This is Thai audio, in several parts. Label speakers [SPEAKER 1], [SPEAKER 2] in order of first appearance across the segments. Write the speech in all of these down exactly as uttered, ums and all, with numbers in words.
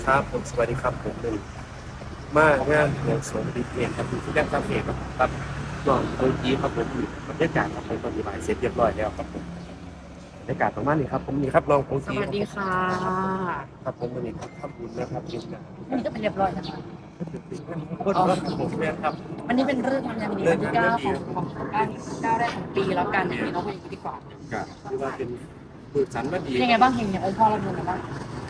[SPEAKER 1] ครับผมสวัสดีครับผมเป็นมางานเมืองสงดีเอ็นครับอยู่ที่แรกคาเฟ่ครับครับก่อนเมื่อกี้ครับผมอยู่บรรยากาศครับผมปฏิบัติเสร็จเรียบร้อยแล้วครับผมบรรยากาศประมาณนี้ครับผมนี่ครับลองโพส
[SPEAKER 2] สวัสดีค่ะ
[SPEAKER 1] ครับผมวันนี้ครับทำบุญนะครับเป็นงาน
[SPEAKER 2] วันนี้ก็เป็นเรียบร้อยนะคะ
[SPEAKER 1] โคตรรักผมเนี่ยครับ
[SPEAKER 2] วันนี้เป็นเรื่องงานดีวันที่เก้าของของเก้าเก้าแรกของปีแล้วกันอย่างนี้เนาะพูดอย่างนี้ดีกว่า
[SPEAKER 1] กับที่ว่าเป็นบุญสันมาดี
[SPEAKER 2] ยังไงบ้างเฮงเนี่ยองค์พ่อเราดูหน่อยบ้าง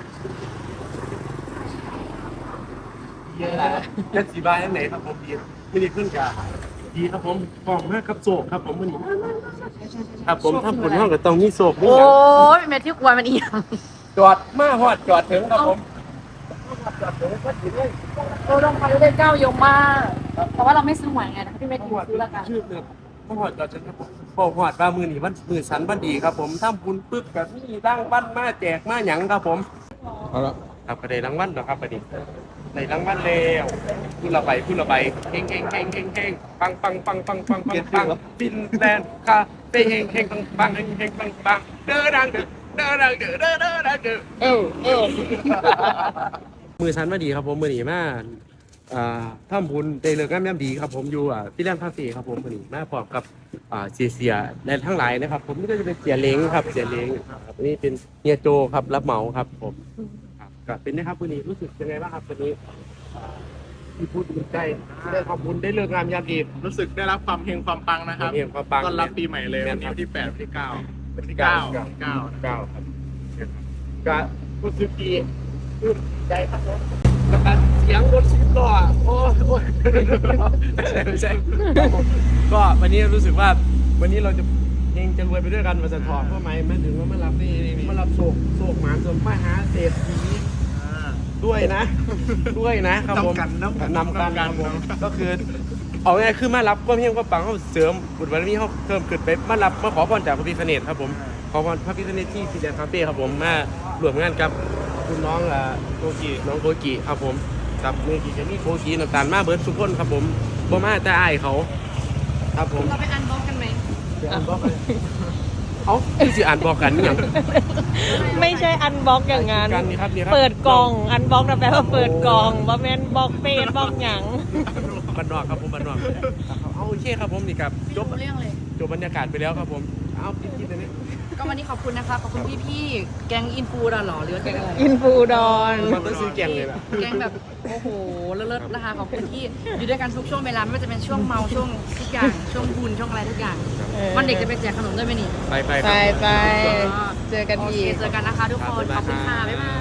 [SPEAKER 1] เยอะแล้วยัดสีบายอันไหนครับผมดีไม่ได้ขึ้นกับดีครับผมฟองมากครับโศกครับผมวันนี้ครับผมทำบุญห้องกับตรงนี้โศกด้ว
[SPEAKER 2] โอ้
[SPEAKER 1] ย
[SPEAKER 2] ยแม่ที่กวนมันอีก
[SPEAKER 1] จอดมาฮอดจอดถึงครับผมจอดถึงก็ถึงเลย
[SPEAKER 2] เราต้องไปเลขเก้ายมมากแต่ว่าเราไม่ซื้อหวยไงนะพี่เมธีซื้อแล้วกัน
[SPEAKER 1] ชื่อเนี่ยมาฮอดจอดถึงครับผมบอกฮอดว่ามือนี่วันมือสันวันดีครับผมทำบุญปึ๊บกับนี่ตั้งบ้านมาแจกมาหยังครับผมเอาละครับก็ได้รางวัลแล้วครับประเดี๋ยวได้รางวัลแล้วพูดละใบพูดละใบเฮงเฮงเฮงเฮงเฮงปังปังปังปังปังปังปังฟินแลนด์คาเฟ่เฮงเฮงปังปังเฮงเฮงปังปังเด้อดังเด้อเด้อดังเด้อเด้อเด้อดังเด้อเออเออมือสันมาดีครับผมมือหนีมาอ่าทำบุญได้เลิกงามยามดีครับผมอยู่อ่าที่แลนด์คาเฟ่ครับผมมือหนีมาพร้อมกับอ่าเสียเสียและทั้งหลายนะครับผมนี่ก็จะเป็นเสียเล้งครับเสียเล้งครับนี่เป็นเฮียโจครับรับเหมาครับผมครับก็เป็นนะครับมือหนีรู้สึกยังไงบ้างครับวันนี้ที่พูดดีใจที่ได้ขอบคุณได้เลิกงามยามดี
[SPEAKER 3] รู้สึกได้รับความเฮงความปังนะครับ
[SPEAKER 1] เฮียความปัง
[SPEAKER 3] ต้อนรับปีใหม่เลย
[SPEAKER 1] แม่
[SPEAKER 3] วัน น
[SPEAKER 1] ค
[SPEAKER 3] นี้
[SPEAKER 1] รับ
[SPEAKER 3] วันที่แปดวันที่เก้า
[SPEAKER 1] วันที่
[SPEAKER 3] เก้า
[SPEAKER 1] เก้า
[SPEAKER 3] เก้า
[SPEAKER 1] เก้าครับก็รู้สึกดีรู้สึกใจครับผมแล้วก็เสียงรถสิบล้อโอ้ยโอ้ยไม่ใช่ไม่ใช่ครับผมก็วันนี้รู้สึกว่าวันนี้เราจะเฮงจะรวยไปด้วยกันมาสะท้อนเพราะไหมแม่ถึงว่ามารับนี่มารับโศกโศกหมานสมมหาเศรษฐีด้วยนะ ด้วยนะครับผม
[SPEAKER 3] นำกันนำกัน
[SPEAKER 1] นำกันครับผมก็คือเอาง่ายๆคือมารับก็เพียงก็ปังเขาเสริมบุญบารมีเขาเพิ่มขึ้นไปมารับมาขอพรจากพระพิฆเนศครับผมขอพรพระพิฆเนศที่ฟิลแลนด์คาเฟ่ครับผมมารวมงานกับคุณน้องอ่าโกกิน้องโกกิครับผมกับเมื่อกี้จะมีโกกิน้ำตาลมาเบิร์ดทุกคนครับผมบ่มาแต่อายเขาครับผม
[SPEAKER 2] เราไปอันบล็อกกันไหม
[SPEAKER 1] เดี๋ยวอ่านบอกกันเขาคือสิอ่านบอกกันนี่หยัง
[SPEAKER 4] ไม่ใช่อันบล็อกอย่างนั้น
[SPEAKER 1] กันนี่ครับนี่ครับ
[SPEAKER 4] เปิดกล่อง อันบล็อกนะแปลว่าเปิดกล่องว่าแม่นบล็อกเฟซบล็อกหยัง
[SPEAKER 1] บันนอกครับผมบันนอกเอาโอเคครับผมนี่ครับจบ
[SPEAKER 2] เรื่องเลย
[SPEAKER 1] จบบรรยากาศไปแล้วครับผมเอาปิดคลิปเลยนี่
[SPEAKER 2] ก็วันนี้ขอบคุณนะคะขอบคุณพี่ๆแก๊งอินฟูดอหรอหรือว่าแก๊งอะไร
[SPEAKER 4] อินฟูดอน
[SPEAKER 1] มันต้องซื้อแกงเลยล่ะ
[SPEAKER 2] แก๊งแบบโอ้โหเลิศๆนะคะขอบคุณที่อยู่ด้วยกันทุกช่วงเวลาไม่ว่าจะเป็นช่วงเมาช่วงทุกอย่างช่วงบุญช่วงอะไรทุกอย่างวันเด็กจะไปแจกขนมด้วยไหมนี่
[SPEAKER 1] ไปไป
[SPEAKER 4] ไปไปเจอกัน
[SPEAKER 2] โอ
[SPEAKER 4] อี
[SPEAKER 2] เค
[SPEAKER 4] ก
[SPEAKER 2] เจอกันนะคะทุกคนขอบคุณค่ะบ๊ายบาย